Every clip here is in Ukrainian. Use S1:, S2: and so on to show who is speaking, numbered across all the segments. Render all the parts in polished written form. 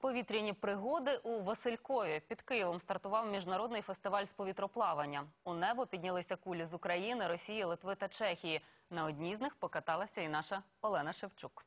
S1: Повітряні пригоди у Василькові. Під Києвом стартував міжнародний фестиваль з повітроплавання. У небо піднялися кулі з України, Росії, Литви та Чехії. На одній з них покаталася і наша Олена Шевчук.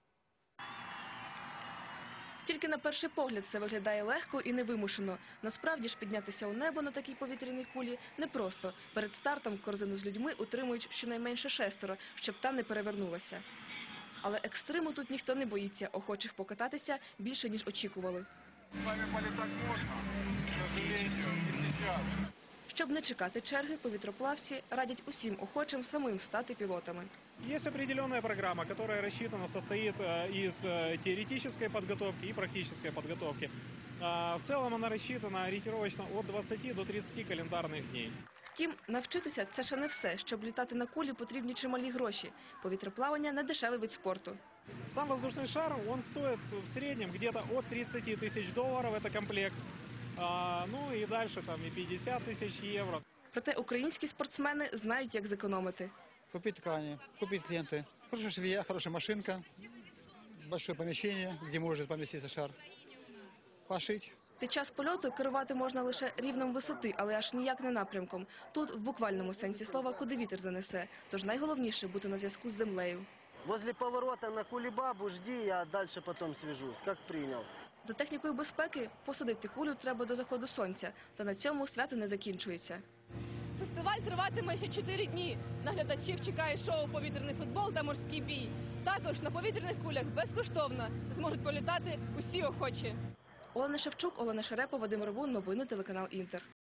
S2: Тільки на перший погляд це виглядає легко і невимушено. Насправді ж піднятися у небо на такій повітряній кулі непросто. Перед стартом корзину з людьми утримують щонайменше 6, щоб та не перевернулася. Але екстриму тут ніхто не боїться, охочих покататися більше, ніж очікували.
S3: З вами політати можна, к сожалению, не зараз.
S2: Щоб не чекати черги, повітроплавці радять усім охочим самим стати пілотами.
S4: Есть определенная программа, которая рассчитана, состоит из теоретической подготовки и практической подготовки. В целом она рассчитана ориентировочно от 20 до 30 календарных дней.
S2: Втім, навчитися – це ще не все. Щоб літати на кулі, потрібні чималі гроші. Повітроплавання – не дешевий вид спорту.
S4: Сам воздушный шар, он стоит в среднем где-то от 30 тысяч долларов, это комплект. Ну и дальше там и 50 тысяч евро.
S2: Проте українські спортсмени знають, як зекономити.
S5: Купить ткани, купить ленты. Хорошая швея, хорошая машинка, большое помещение, где может поместиться шар. Пошить.
S2: Під час польоту керувати можна лише рівнем висоти, але аж ніяк не напрямком. Тут в буквальному сенсі слова куди вітер занесе. Тож найголовніше – бути на зв'язку з землею.
S6: Возле поворота на кулебабу жди, я дальше потом свяжусь, как принял.
S2: За технікою безпеки посадити кулю треба до заходу сонця. Та на цьому свято не закінчується.
S7: Фестиваль триватиме ще 4 дні. Наглядачів чекає шоу «Повітряний футбол» та «Морський бій». Також на повітряних кулях безкоштовно зможуть політати усі охочі.
S2: Олена Шевчук, Олена Шарепа, Вадим Ровун. Новини телеканал «Інтер».